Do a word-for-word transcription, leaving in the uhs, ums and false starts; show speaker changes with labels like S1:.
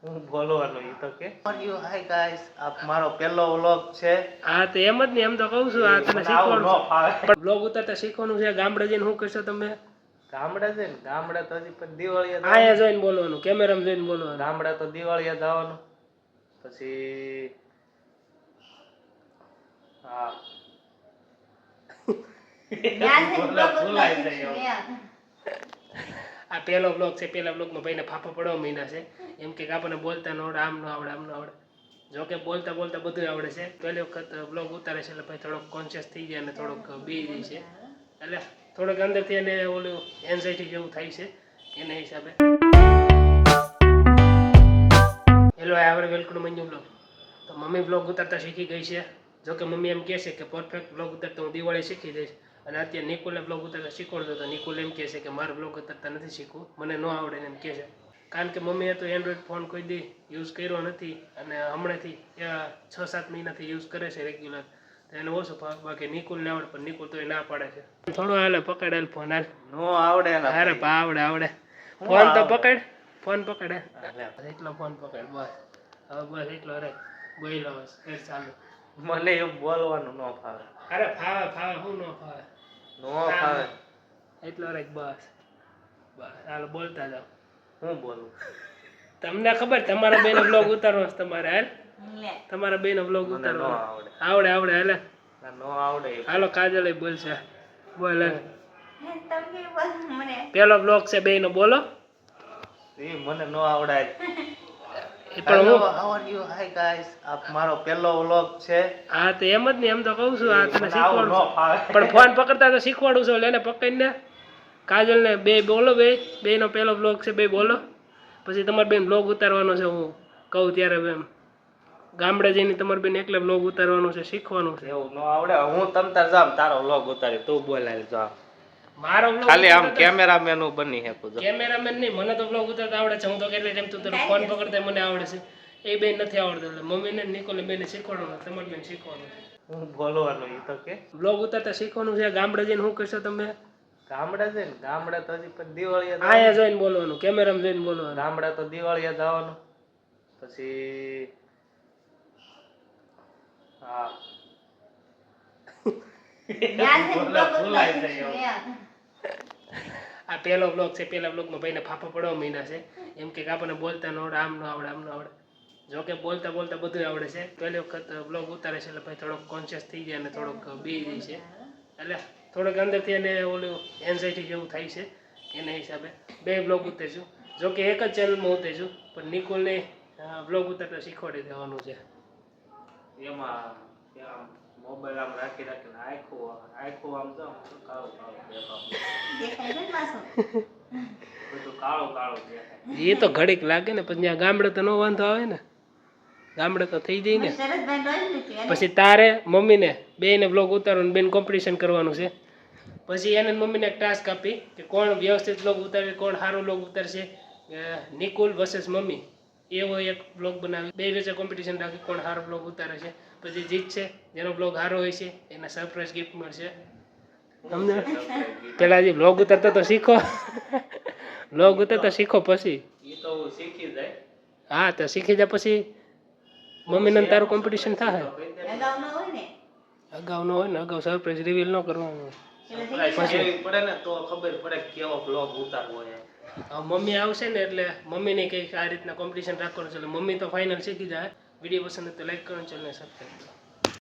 S1: હું બોલવાનું ઈ તો કે યુ હાય ગાઈસ આપ મારો પહેલો વ્લોગ છે.
S2: હા તો એમ જ ને, એમ તો કહું છું આ તને શીખવાનું પણ વ્લોગ ઉતારતા શીખવાનું છે. ગામડે જઈને શું કરશો તમે?
S1: ગામડે જઈને ગામડે તો હજી પણ દિવાળીએ
S2: આયા જોઈને બોલવાનું, કેમેરામાં જોઈને બોલવાનું.
S1: ગામડે તો દિવાળીએ જવાનું, પછી હા
S2: આ પહેલો બ્લોગ છે. પહેલા બ્લોગમાં ભાઈને ફાફા પડવા મહિના છે. એમ કે આપણને બોલતા ન આવડે, આમ ન આવડે, આમ ન આવડે. જો કે બોલતા બોલતા બધું આવડે છે. પહેલી વખત બ્લોગ ઉતારે છે એટલે ભાઈ થોડોક કોન્શિયસ થઈ જાય અને થોડોક બી જાય છે. એટલે થોડોક અંદરથી એને ઓલું એન્ઝાઇટી જેવું થાય છે એના હિસાબે. હેલો આવડે વેલકમ મંજુ બ્લોગ. તો મમ્મી બ્લોગ ઉતારતા શીખી ગઈ છે. જો કે મમ્મી એમ કહે છે કે પરફેક્ટ બ્લોગ ઉતારતા હું દિવાળી શીખી જઈશ. અને અત્યારે નિકુલને બ્લોગ ઉતારતા શીખવાડતો તો નિકુલ એમ કહે છે કે મારે બ્લોગ ઉતારતા નથી શીખવું, મને ન આવડે એમ કહે છે. કારણ કે મમ્મીએ તો એન્ડ્રોઈડ ફોન કોઈ દી યુઝ કર્યો નથી અને હમણાંથી છ સાત મહિનાથી યુઝ કરે છે રેગ્યુલર. તો એને ઓછું બાકી નિકુલને આવડે, પણ નિકુલ તો એ ના પાડે છે. થોડું હાલે પકડાયેલ ફોન હાલ
S1: નો આવડે.
S2: અરે પા આવડે આવડે ફોન તો પકડ, ફોન પકડે એટલો ફોન પકડ બસ. હવે બસ એટલો રે બોલો બસ ફેર ચાલુ.
S1: મને એમ બોલવાનું ન ફાવે.
S2: અરે ફાવે ફાવે શું ન ફાવે?
S1: નો ફાવે
S2: એટલો રે બસ બસ હાલો બોલતા જાઓ.
S1: હું બોલું?
S2: તમને ખબર તમારા બેનો બ્લોગ ઉતારવો છે તમારે? હાલ તમારા બેનો બ્લોગ ઉતારવો
S1: આવડે
S2: આવડે આવડે હાલે
S1: નો આવડે.
S2: હાલો કાજલ બોલશે બોલ. પેલો બ્લોગ છે બેનો, બોલો.
S1: એ મને નો આવડે.
S2: પણ હું
S1: હાઉ યુ હાય ગાઈસ આપ મારો પહેલો વ્લોગ છે.
S2: હા તો એમ જ ને, એમ તો કહું છું આ તને શીખવાડું પણ ફોન પકડતા તો શીખવાડું છું. લેને પકડીને કાજલ ને બે બોલો, બે બે નો પહેલો બ્લોગ છે, બે બોલો. પછી તમારે બેન બ્લોગ ઉતારવાનો છે. હું કહું ત્યારે એમ ગામડે જઈને તમારે બેન એકલે બ્લોગ ઉતારવાનું છે, શીખવાનું છે.
S1: એવું નો આવડે. હું તમ તાર જામ તારો વ્લોગ ઉતારી, તું બોલાય જા.
S2: મારો બ્લોગ
S1: ખાલી આમ કેમેરામેન હું બની શકું.
S2: કેમેરામેન નહીં, મને તો બ્લોગ ઉતારતા આવડે છે. હું તો કેટલી ટાઈમ તું તારો ફોન પકડતા મને આવડે છે. એ બેન નથી આવડતું એટલે મમ્મીને નિકોલે બેને શીખવાડવાનું, તમારે બેન શીખવાનું.
S1: હું બોલવાનું ઈ તો કે
S2: બ્લોગ ઉતારતા શીખવાનું છે. ગામડે જઈને શું કરશો તમે?
S1: ગામડે જઈને ગામડે તો હજી પણ દિવાળીએ
S2: આયા જોઈને બોલવાનું, કેમેરામાં જોઈને બોલવાનું.
S1: ગામડે તો દિવાળીએ જવાનું, પછી હા આ પહેલો બ્લોગ છે. પહેલા બ્લોગમાં ભાઈને ફાફા પડવા મહિના છે. એમ કે આપણને બોલતા ન આવડે, આમ ન આવડે, આમ ન આવડે. જો કે બોલતા બોલતા બધું આવડે છે. પહેલી વખત બ્લોગ ઉતારે છે એટલે ભાઈ થોડોક કોન્શિયસ થઈ જાય અને થોડોક બી જાય છે. એટલે થોડોક અંદરથી એને ઓલું એન્ઝાઇટી જેવું થાય છે એના હિસાબે. બે બ્લોગ ઉતારશું. જો કે એક જ ચેનલમાં ઉતારશું, પણ નિકોલને બ્લોગ ઉતારતા શીખવાડી દેવાનું છે. એમાં મોબાઈલ આમ રાખી રાખીને આખું આખું આમ તો કાળું કાળું દેખાય બધું કાળું કાળું દેખાય. એ તો ઘડીક લાગે ને, પછી ત્યાં ગામડે તો નો વાંધો આવે ને, ગામડે તો થઈ જાય ને. પછી તારે મમ્મીને બેને બ્લોગ ઉતારવાનું, બેન કોમ્પિટિશન કરવાનું છે. પછી એને મમ્મીને એક ટાસ્ક આપી કે કોણ વ્યવસ્થિત બ્લોગ ઉતારે, કોણ સારું બ્લોગ ઉતારશે. નિકુલ વર્સેસ મમ્મી એવો એક બ્લોગ બનાવી, બે વચ્ચે કોમ્પિટિશન રાખી કોણ સારો બ્લોગ ઉતારે છે. પછી જીતશે, જેનો બ્લોગ સારો હોય છે એને સરપ્રાઈઝ ગિફ્ટ મળશે. તમને પેલા જે બ્લોગ ઉતારતા તો શીખો, બ્લોગ ઉતારતા શીખો પછી એ તો શીખી જાય. હા તો શીખી જાય પછી મમ્મીને તારું કોમ્પિટિશન થાય. અગાઉ ન હોય ને, અગાઉ સરપ્રાઈઝ રિવીલ ન કરવાનું. પછી પડે ને તો ખબર પડે કેવો બ્લોગ ઉતારવો છે. મમ્મી આવશે ને એટલે મમ્મીને કંઈક આ રીતના કોમ્પિટિશન રાખવાનું છે એટલે મમ્મી તો ફાઇનલ શીખી જાય. વિડીયો પસંદ તો લાઈક કરો, ચેનલને સબસ્ક્રાઈબ કરો.